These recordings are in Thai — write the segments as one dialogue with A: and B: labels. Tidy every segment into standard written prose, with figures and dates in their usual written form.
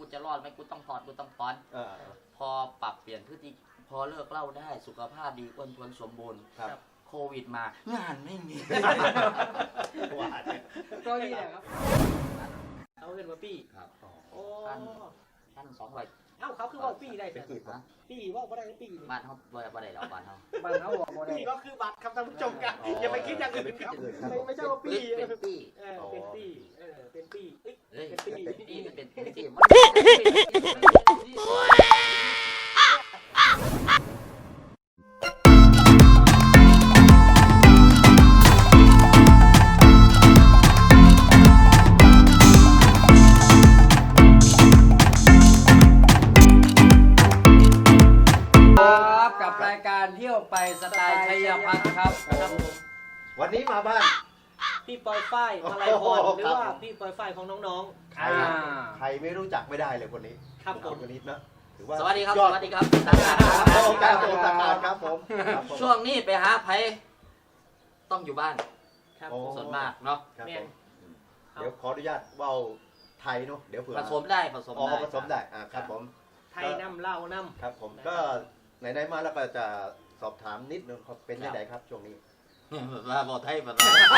A: กูจะรอดไหมกูต้องถอนพอปรับเปลี่ยนพฤติพอเลิกเหล้าได้สุขภาพดีอ้วนท้วนสมบูรณ์โควิดมางานไม่มี
B: ก็นี่แหละครับเอาเงินมาปี้
A: ครับ
B: โอ้
A: ท่าน200
B: เอ้าเขาคือว่าปี้ได้เป็นปี้ว่าบ่ได้ปี้
A: บ้านเขาบ่ได้แล้วบ้านเขา
B: บอกบ่ได้ปี้ก็คือบัตรคำท่านผู้ชมกันอย่าไปคิดอย่างอื่นครับไม่ใช่ว่าปี้
A: เป็นปี้
B: เป็นปี้เป็นปี้
A: เป็นปี้เป็นปี้
C: กับรายการเที่ยวไปสไตล์ชัยพัฒน์ครับ
D: วันนี้มาบ้าน
B: พี่ปอยฝ้ายมาลัยพรหรือว่าพี่ปอยฝ้ายของน้อง
D: ๆใครไม่รู้จักไม่ได้เลยคนนี้
B: ครับผม
D: คนนี้นะถือว่า
A: สวัสดีครับ
D: ครับผม
A: ช่วงนี้ไปหาไผต้องอยู่บ้านส่วนมากเนาะ
D: เดี๋ยวขออนุญาตเว้าไทยเนาะเดี๋ยวเผื่อ
A: ผสมได้
D: ผสมได้ครับผม
B: ไทยน้ำเล่าน้ำ
D: ครับผมก็ไหนๆมาแล้วก็จะสอบถามนิดนึงเป็นยังไงครับช่วงนี้
A: มาบอกไทยมา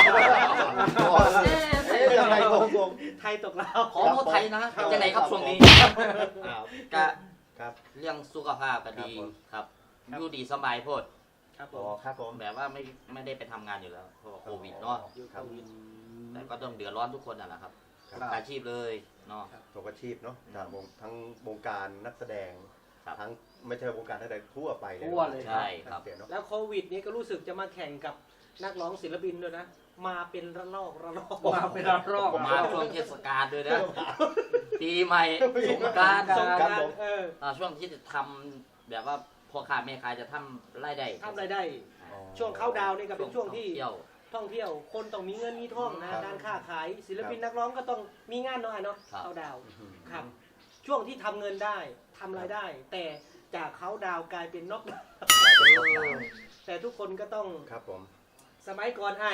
D: ยังไงงง
B: ไทยตกเรา
A: ขอโทษไทยนะยังไงครับช่วงนี้ก็เรื่องสุขภาพก็ดีครับอยู่ดีสบายโพด
D: ครับผม
A: แบบว่าไม่ได้ไปทำงานอยู่แล้วเพราะโควิดเนาะแต่ก็ต้องเดือดร้อนทุกคนนั่นแหละครับอาชีพเลยเนาะ
D: ทุกอาชีพเนาะจากทั้งวงการนักแสดงทั้งไม่ใช่วงการนักแสดงทั่วไปเลย
A: ใช่ครับ
B: แล้วโควิดนี้ก็รู้สึกจะมาแข่งกับนักร้องศิลปินด้วยนะมาเป็นระลอก
A: มาเป็นระลอกมาช่วงเทศกาลด้วยนะปีใหม่สงกรานต์ช่วงที่จะทำแบบว่าพ่อค้าแม่ขายจะทำรายได้
B: ช่วงเข้าดาวนี่ก็เป็นช่วงที่ท่องเที่ยวคนต้องมีเงินมีทองนะการค้าขายศิลปินนักร้องก็ต้องมีงานหน่อยเนาะเข้าดาวครับช่วงที่ทำเงินได้ทำรายได้แต่จากเขาดาวกลายเป็นน็อกแต่ทุกคนก็ต้อง
D: ครับผม
B: สมัยก่อนให้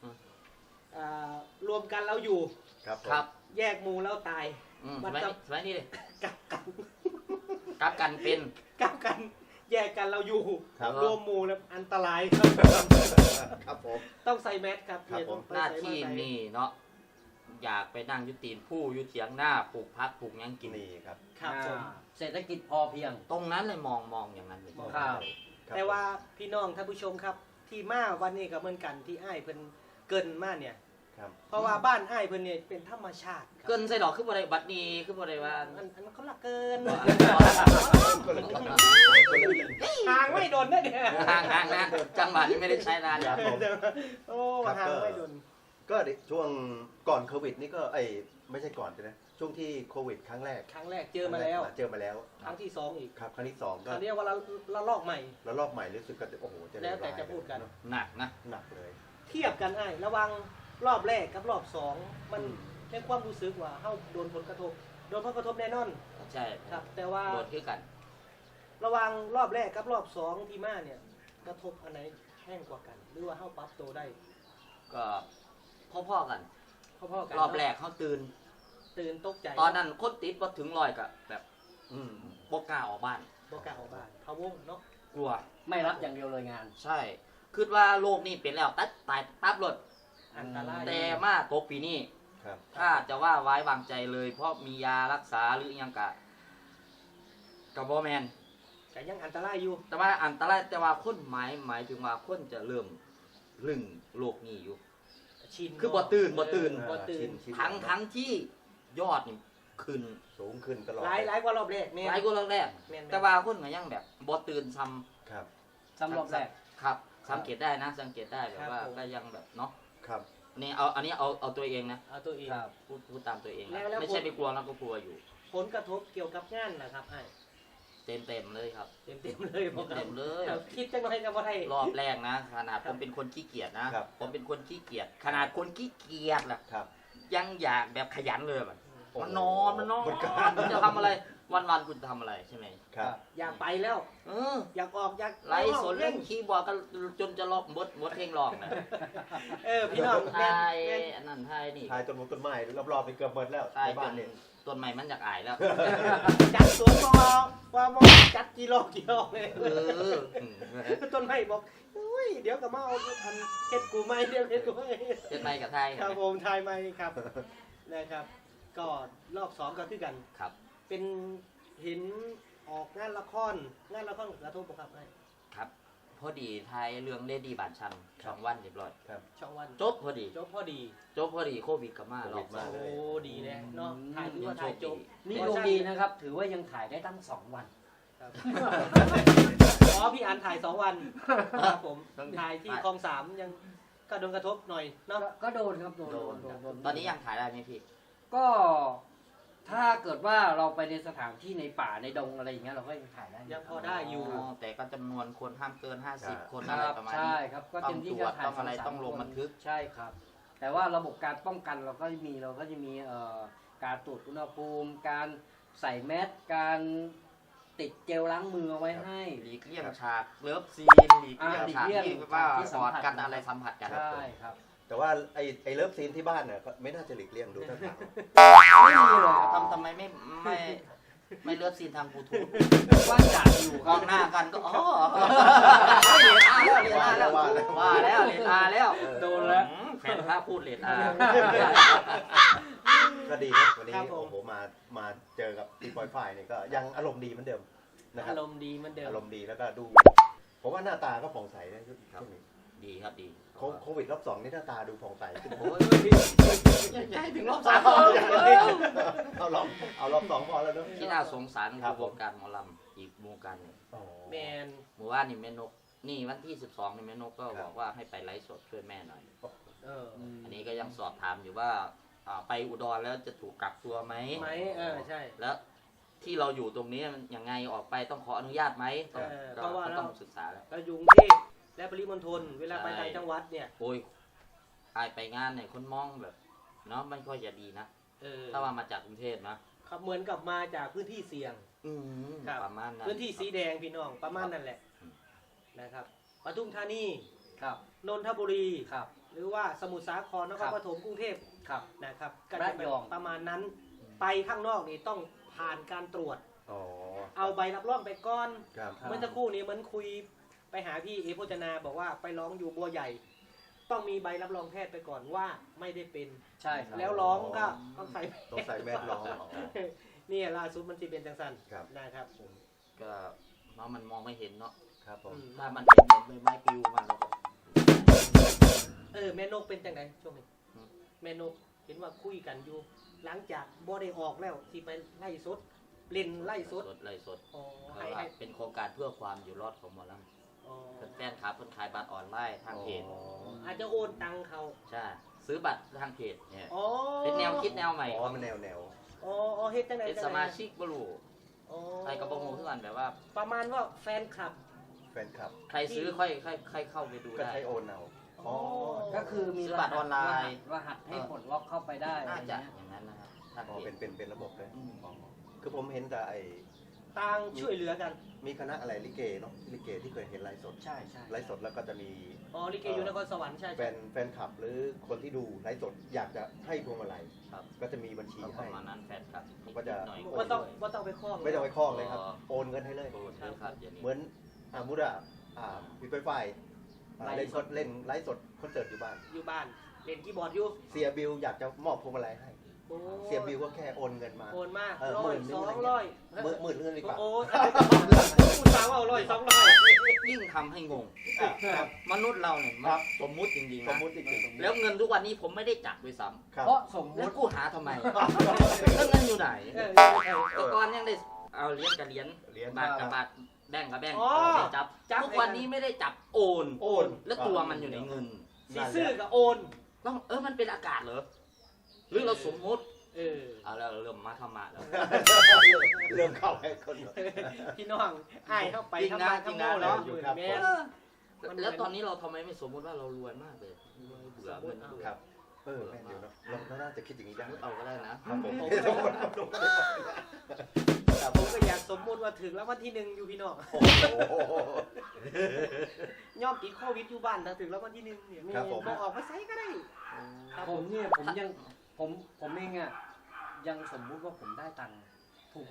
B: รวมกันเราอยู่
A: ครับ
B: แยกหมู่แล้วตาย
A: สมัยนี้เลย
B: กลับ
A: กันเป็น
B: กลับกันแยกกันเราอยู่รวมหมู่แล้วอันตราย
D: ครับผม
B: ต้องใส่แมสครับ
A: หน้าที่นี่เนาะอยากไปนั่งยุติผู้ยุเถียงหน้าปลูกพักปลูกยังกิน
D: นี่ครับ
C: เศรษฐกิจพอเพียง
A: ตรงนั้นเลยมองอย่างนั้นเลย
B: แต่ว่าพี่น้องท่านผู้ชมครับที่มาวันนี้ก็เหมือนกันที่อ้ายเพิ่นเกินมาเนี่ยเพราะว่าบ้านอ้ายเพิ่นเนี่ยเป็นธรรมชาติ
A: เกินใส่ดอกขึ้นบ่ได้บัดนี้ขึ้นบ่ได้ว่า
B: อันเขาละเกินห่างไม่โดนนะเนี่ย
A: ห่างนะจังหวะนี้ไม่ได้ใช้นานแล้ว
B: โอ้ห่างไม่โดน
D: ก็ช่วงก่อนโควิดนี่ก็ไม่ใช่ก่อนใช่ไหมช่วงที่โควิดครั้งแรก
B: เจอมาแล้ว
D: ครั้ง
B: ที่2อีก
D: ครับครั้งที่2ก็
B: เรียกว่าละลอกใหม่
D: รู้สึกก็โอ้โห
B: แล้วแต่จะพูดกัน
A: หนัก
D: เลย
B: เทียบกันไอ้ระวังรอบแรกกับรอบ2มันในความรู้สึกว่าเฮาโดนผลกระทบแน่นอน
A: ใช่
B: ครับแต่ว่า
A: โดนคือกัน
B: ระวังรอบแรกกับรอบ2ที่มาเนี่ยกระทบอันไหนแห้งกว่ากันหรือว่าเฮาปรับตัวได้
A: ก็พ่อๆกันรอบแรกเขาตื่น
B: ตกใจ
A: ตอนนั้นคนติดพอถึง100ก็แบบบ่กล้าออกบ้าน
B: พะวงเนาะ
A: กลัว
C: ไม่รับอย่างเดียวเลยงาน
A: ใช่คิดว่าโลกนี้เป็นแล้วตายปั๊บรถ
B: อันตราย
A: แต่มาตกปีนี้ถ้าจะว่าไว้วางใจเลยเพราะมียารักษาหรือยังกับบ่แมน
B: แต่ยังอันตรายอยู่
A: แต่ว่าอันตรายแต่ว่าคนหมายถึงว่าคนจะเริ่มลึงโลกนี้อยู่คือบ่ตื่นทั้งที่ยอดนี่ขึ้น
D: สูงขึ้นตลอด
B: หลายกว่ารอบแรก
A: หลายกว่ารอบแรกแต่ว่าคนก็ยังแบบบ่ตื่นซ้
C: ำรอบแรก
A: ครับสังเกตได้แบบว่าก็ยังแบบเนาะ
D: ครับ
A: นี่อันนี้เอาตัวเองนะ
B: เอาตัวเอง
A: พูดตามตัวเองไม่ใช่ไปกลัวแล้วก็กลัวอยู่
B: ผลกระทบเกี่ยวกับงานนะครับไอ้
A: เต็มเลยครับ
B: เต็มเลยคิดจังเลยกับว่าไทย
A: รอบแรกนะขนาดผมเป็นคนขี้เกียจนะผมเป็นคนขี้เกียจขนาดคนขี้เกียจล่ะยังอยากแบบขยันเลยแบบมันนอนคุณจะทำอะไรวันคุณทำอะไรใช่ไหม
B: อยากไปแล้วอยากออกอยาก
A: ไล่สนเล่นคีย์บอร์ดกันจนจะล็อกบดเพลงร้องนะ
B: พี่น้อง
A: ไทยอันนั้นไทยนี่
D: ไทยต้นไม้รอบๆไปเกือบหมดแล้วในบ้านนี่
A: ต้นไม้มันอยากอายแล้ว
B: จัดสวนว่าจัดกิโลเลย
A: เออ
B: ต้นไม้บอกอุ้ยเดี๋ยวก็มาเอาทำเฮ็ดกูไม่เดี๋ยวเฮ็ดกูไม่
A: เจ็ดไม้กับไทย
B: ครับผมทายไม่ครับนะครับ ก็รอบ2ก็คือกัน
A: ครับ
B: เป็นเห็นออกงานละครงานละครกระทบบ่ครับไอ้
A: ครับ พอดีไทยเรื่องเลดี้บานชันช่องวันเรียบร้อย
B: ช่องวัน
A: จบพอดี
B: จบพอดี
A: จบพอดีโควิดก็มารอบสอง
B: โอ้ดีเลยเนาะถ่ายถือว่าถ่ายจบ
C: นี่ดวงดีนะครับ ถือว่ายังถ่ายได้ตั้ง2 วัน
B: ครับอ๋อพี่อันถ่าย2 วันครับผมถ่ายที่คลอง3ยังก็โดนกระทบหน่อยเนาะ
C: ก็โดนครับโดน
A: โดนครับตอนนี้ยังถ่ายได้ไหมพี่
C: ก็ถ้าเกิดว่าเราไปในสถานที่ในป่าในดงอะไรอย่างเงี้ยเราก็ยังถ่ายได้
B: ยังพอได้อยู่
A: แต่ก็จำนวนคนห้ามเกิน 50 คน
C: ค
A: อะไร
C: รับ
A: ประมาณ
C: ใช่
A: นี้
C: ครับก็
A: ต้อ
C: เต็
A: ง
C: ม
A: ต
C: ที่
A: ร
C: ก็
A: วจ
C: ถ่าย
A: ต้องอะไร
C: 2-3
A: ต้องลง
C: คน
A: บันทึก
C: ใช่ครับ แต่ว่าระบบการป้องกันเราก็จะมีการตรวจอุณหภูมิ การใส่แมสการติดเจลล้างมือเอาไว้ให้
A: หลีกเลี่ยงฉากเลิฟซีนหลีก
C: อ่า
A: เลี่ยงฉาก
C: หลีกเลี่ยง
A: ที่ว่า
C: ที่สั
A: ก
C: ม
A: อ
C: ผั
A: ด
C: ส
A: กันอะไรสัมผัสกัน
C: ใช่ครับ
D: แต่ว่าไอ้เลิฟซีนที่บ้านเนี่ยก็ไม่น่าจะหลีกเลี่ยงดูท่าทาง
C: ไม่มีเลยครับ
A: ทำไมไม่เลิฟซีนทางบลูทูธ
C: ว่าจะอยู่
A: มองหน้ากันก็อ๋อเรียนอาแล้วว่าแล้วเรียนอาแล้ว
C: โดนแล้ว
A: แฟนพระพูดเรียนอา
D: ก็ดีนะวันนี้
B: ครับผม
D: โอ้โหมาเจอกับตีปอยฝ่ายเนี่ยก็ยังอารมณ์ดีเหมือนเดิมนะครับ
B: อารมณ์ดีเหมือนเดิม
D: อารมณ์ดีแล้วก็ดูผมว่าหน้าตาก็ผ่องใสนะช่วงนี้
A: ดีครับดี
D: โควิดรอบ 2นี่หน้าตาดูผ่องใสขึ้น
A: โอ้ยใช่ถึงรอบสาม
D: เอารอบ2พอแล้วเนอะ
A: ที่น่าสงสาร
D: ครั
A: คื
D: บ
A: อวงการหมอลำอีกวงการหนึ่ง
D: อ๋อ
B: แมน
A: เมื่อวานนี่แม่นกนี่วันที่ 12นี่แม่นกก็
D: ครับ
A: บอกว่าให้ไปไลฟ์สดช่วยแม่หน่อย
B: เออ
A: อันนี้ก็ยังสอบถามอยู่ว่าไปอุดรแล้วจะถูกกักตัวไหม
B: ไหมใช่
A: แล้วที่เราอยู่ตรงนี้มันยังไงออกไปต้องขออนุญาตไหมต้อง
B: เพราะว่า
A: ก็ต้องศึกษาแล้ว
B: เราอยู่กรุงเทพและปริมณฑลเวลาไป
A: ใช่
B: ต่างจังหวัดเนี่ย
A: โอ้ยอายไปงานเนี่ยคนมองแบบเนาะไม่ค่อยจะดีนะ ถ้าว่ามาจากกรุงเทพนะครับ
B: เหมือนกับมาจากพื้นที่เสี่ยง ครับ
A: ประมาณนั้น
B: พื้นที่สีแดงพี่น้องประมาณนั่นแหละ
A: อืม
B: นะครับปทุมธานี
C: ครับ
B: นนทบุรี
C: ครับ
B: หรือว่าสมุทรสาครนค
C: ครั
B: ร
C: บ
B: ปฐมกรุงเทพ
C: ครับ
B: นะครับก็
C: ระ
B: จะเป็น
C: ยอง
B: ประมาณนั้น ไปข้างนอกนี่ต้องผ่านการตรวจ
D: อ๋อ
B: เอาใบรับรองไปก่อน
D: ครับ
B: เมื่อสักครู่นี้เหมือนคุยไปหาพี่เอโพจนาบอกว่าไปร้องอยู่บัวใหญ่ ต้องมีใบรับรองแพทย์ไปก่อนว่าไม่ได้เป็น
C: ใช่ครับ
B: แล้วร้องก็ต้องใส่
D: ต้องใส่แมสร้อง
B: นี่ล่าสุดมันจะเป็นจังสัน
D: ครับ
B: นะครับ
A: ก็เนาะมันมองไม่เห็นเนาะ
D: ครับผม
A: ถ้ามันเห็นเหมือนใบไม้ปลิวมาแล้วก็
B: แม่นกเป็นจังไงช่วงนี้
A: อืม
B: แม่นกเห็นว่าคุยกันอยู่ หลังจากบ่ได้ออกแล้วที่ไปไล่สดเล่นไล่สด
A: ไล่สด
B: อ๋อ
A: เพ
B: ให้
A: ราะว่า
B: ให้
A: เป็นโครงการเพื่อความอยู่รอดของหมอลำ
B: อ๋อ
A: แฟนคลับคนขายบัตรออนไลน์ทางเพจ
B: อาจจะโอนตังค์เขา
A: ใช่ซื้อบัตรทางเพจเนี่ย
B: อ๋อ
A: เป็นแนวคิดแนวใหม่
D: อ๋อมันแนว
B: อ๋อเฮ็ดจังไง
A: เป็น
B: จัง
A: ส
B: ไง
A: มาชิกบรู
B: อ๋อ
A: ใครกระโปรงทุกวันแบบว่า
B: ประมาณว่าแฟนคลับ
D: แฟนคลับ
A: ใครซื้อค่อยเข้าไปดู
D: ก็
A: ได้
D: ใช้โอนเอา
B: อ๋อ
C: ก็คือมี
A: ซื้อบัตรออนไลน์
C: รหัสให้ปลดล็อกเข้าไปได้
A: น่าจะ
C: อะไร
A: อ
C: เงี้ย
A: ย่างนั้นนะครับทาง
D: อ๋อ
A: เพจ
D: เป็นระบบเลย
A: อืม
D: อ๋อคือผมเห็นแต่ไอ้
B: ต่างช่วยเหลือกัน
D: มีคณะอะไรลิเกเนาะลิเกที่เคยเห็นไลฟ์สด
C: ใช่ใช่
D: ไลฟ์สดแล้วก็จะมี
B: อ๋อลิเกอยู่นครสวรรค์ใช่
D: แฟนคลับหรือคนที่ดูไลฟ์สดอยากจะให้พวงมาลัย
A: ครับ
D: ก็จะมีบัญชี
A: ก็ป
D: ให้
A: ระมาณนั้นแฟนคลับ
D: ผมก็จะ
A: หน่อย
B: ว่าต้องไปคล้อง
D: ไม่ต้องไปคล้องเลยครับ โอนเงินให้เลย
A: โอ้ใช่ครับอย่างนี้
D: เหมือนมุดพี่ไฟเล่นไลฟ์สดคอนเสิร์ตอยู่บ้าน
B: อยู่บ้านเล่นคีย์บอร์ดอยู่
D: เสียบิลอยากจะมอบพวงมาลัยให้
B: โอ้
D: เสียบิลก็แค่โอนเงินมา
B: โอนมาก
D: เออ
B: ร้
D: หมื่
B: อย
D: นหนึ่
B: ส
D: ง
B: องร้อย
D: หมื่นเงินดีกว่า
B: โอ้คุณฟังว่าร้อยสองร้อย
A: ยิ่งทำให้งง
D: ครับ
A: มนุษย์เราเนี่ยมัน
D: ครับ
A: สมมุติจริงๆ
D: สม
A: นะ
D: มุติจริงๆ
A: แล้วเงินทุกวันนี้ผมไม่ได้จับด้วยซ้
D: ครับ
C: เพราะสม
A: ำ
C: ม
A: แล้ว
C: ติ
A: กูหาทำไมแล้วเงินอยู่ไหน
B: เออ
A: แต่ก่อนยังได้เอาเหรียญกับเหรียญ
D: เหรียญ
A: บาทกับบาทแบงก์กับแบงก์
B: อ๋อ
A: ได้จับ
B: จับ
A: ทุกวันนี้ไม่ได้จับโอน
D: โอน
A: แล้วตัวมันอยู่ในเงิน
B: สีซื่อกับโอน
A: ต้องมันเป็นอากาศเหรอหรือเราสมมุติ
B: เออ
A: เอาแล้วเริ่มมาธรรมะแล้ว
D: เริ่มเข้าให้คน
B: พี่น้องอ้ายเข้าไป
A: จริงนะ
B: ทำบ้าน
A: จริงนะ
B: ทำโม่แล้ว
D: อยู่ครับ
B: แม่
A: แล้วตอนนี้เราทำไมไม่สมมุติว่าเรารวยมากเลยเบื่อเงินเบื่อ
D: ครับแม่นเดี๋ยวเนาะเราน่าจะคิดอย่างนี้ได้
A: เอาก็ได้นะ
D: ครับผม
B: ผมก็อยากสมมุติว่าถึงแล้ววันที่หนึ่งอยู่พี่น้อง
D: โอ้โห
B: ย่อมติดโควิดอยู่บ้านถ้าถึงแล้ววันที่หนึ่งเนี่ย
D: ครับผม
B: บอกออกมาใช้ก็ได้ครับ
C: ผมเนี่ยผมเองอ่ะยังสมมุติว่าผมได้ตังค์ถูก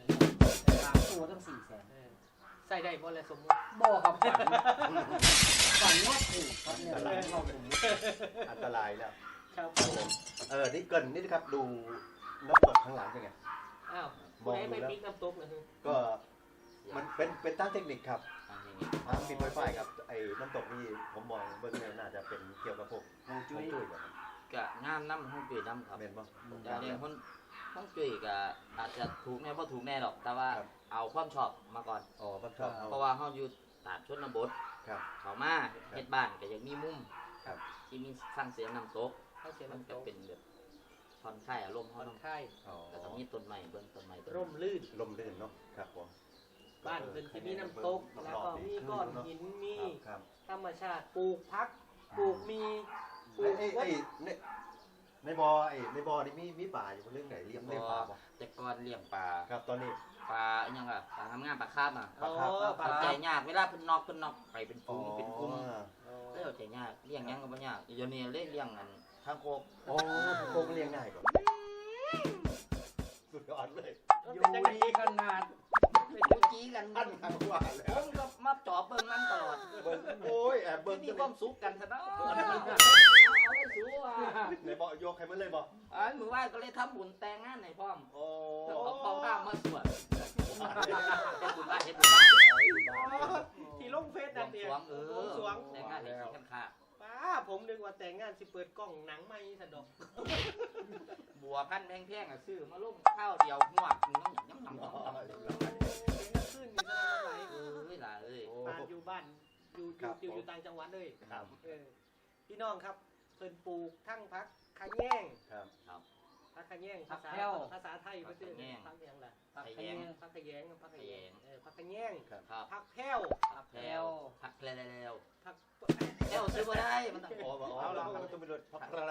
C: 3 ตัวตั้ง400,000
B: ใส่ได้บ่เลยสมมุติ
C: บ่ครับฝันว่าถูกครับเนี่ยเราผม
D: อันตรายแล้ว
B: ครับ
D: นี่เกรินนี่นะครับดูน้ำตกข้างหลังเป็นไง
B: อ้าว
D: มอง
B: ไม่
D: ดู
B: ไม่
D: แล้ว
B: ปิกน้ำตกเลย
D: ก็มันเป็นตั้งเทคนิคครับ
A: อันนี้
D: ทางปิดไวไฟครับไอ้น้ำตกนี่ผมมองเบื้องเนี่ยน่าจะเป็นเกี่ยวกับพวก
C: ฮวงจุ้ย
D: จุ้ยแบบ
A: ก็งามน้ำห้องจุ้ยน้ำครับ
D: เมนบ่
A: แต่เรื่องห้องจุ้ยก็อาจจะถูกแน่บ่ถูกแน่หรอก แต่ว่า
D: ครับ
A: เอาความชอบมาก่อน
D: อ๋อผมชอบ
A: เพราะว่าเฮาอยู่ตามชนบท
D: ครับ
A: เขามาเฮ็ดบ้านก็ยังมีมุม
D: ครับ
A: ที่มีฟังเสียงน้ำตก
B: เข้าเสีย
A: มัน
B: น้ำต
A: ก็
B: ก
A: เป็นแบบผ่อนคลายอารมณ์
B: ผ่
A: เฮา
B: อน
A: น้ำ
B: คลาย
D: อ๋อ
A: แต่ก็มีต้นไม้เบิ่งต้นไม้ต้น
B: ร่มลื่น
D: ลมลื่นเนาะครับผม
B: บ้านเป็นจะมีน้ำตก แล้วก็มีก้อนหินมี
D: ครับ
B: ธรรมชาติปลูกพักปลูกมีปลูก
D: ไอ้
B: วัด
D: ในบ่อนี่มีป่าอยู่เรื่องไหนเลี้ยงป่าบ่
A: แต่ก่อนเลี้ยงปลา
D: ครับตอนนี้
A: ปลาอิหยังอ่ะปลาทำงานปลาคาบอ่ะ
B: อ๋อ
A: ปลาใจยากเวลาเพิ่นนอกไปเป็นฝูงเป็นกลุ่ม
B: อ๋อ
A: แล้วใจยากเลี้ยงหยังก็บ่ยากเดี๋ยวนี้เลี้ยงอันทางโคก
D: โอ้โคกเลี้ยงง่ายกว่าสุดยอดเลย
C: อยู่ดีขนาด
A: กูจี้กัน
D: อันทางว่าแล้
A: ผ
D: ว
A: มก็มาจอบเบิ่งมันตลอด
D: เบิ่งโอ้ยแอบเบิ่ง
A: มีความสุขกันซะเนาะเอาไปสู้อ่ะ
D: ในบ่อยกให้มันเลยบ่
A: อันมื้อวานก็เลยทำบุญแต่งงานให้พร้อม
D: โอ้
A: เอาพ่อข้ามมาสวดเฮ็ดบุญบ้านเฮ็ดบุญบ้าน
B: ที่ลงเฟซนั่นเอง
A: สวงเออ
B: สวง
A: แต่งงานให้ขี้กันค่ะ
B: ป้าผมนึกว่าแต่งงานสิเปิดกล้องหนังไม่สะดอก
A: บัวพันแพงๆอ่ะซื้อมาลงข้าวเดียวหวกน้ำ
B: เป็นนักขึ้นอยู่ตลอดไหล
A: เวลาเอ้ย
B: บ้านอยู่บ้านอยู่ต่างจังหวัดเลย
D: ครับ
B: พี่น้องครับเพิ่นปลูกทั้งพักขะแยง
D: ครับ
B: พักขะแยงภาษาไทยก็คือพักยังล่ะ
C: ผักขะแยง
B: พักขะแยงพักขะแยงพักขะแยง
D: ครับ
A: ครับ
B: พักแพ้ว
C: ผัก
A: แพล
C: แก้
A: ว
C: ว
A: ผักแพลว
B: พัก
A: แพลวซื้อมาได้มันต้อง
D: โอ้เอาละมันต้องไปดูพักอะไร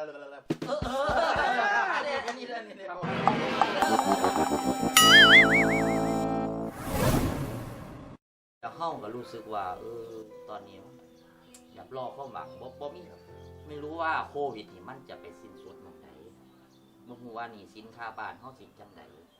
A: อันนี้เลยแล้วเข้าก็รู้สึกว่าตอนนี้อยากรอความหวังบ่มีไม่รู้ว่าโควิดนี่มันจะไปสิ้นสุดเมื่อไหร่บ่ฮู้ว่านี่สินค้าบ้านเฮาสิจังได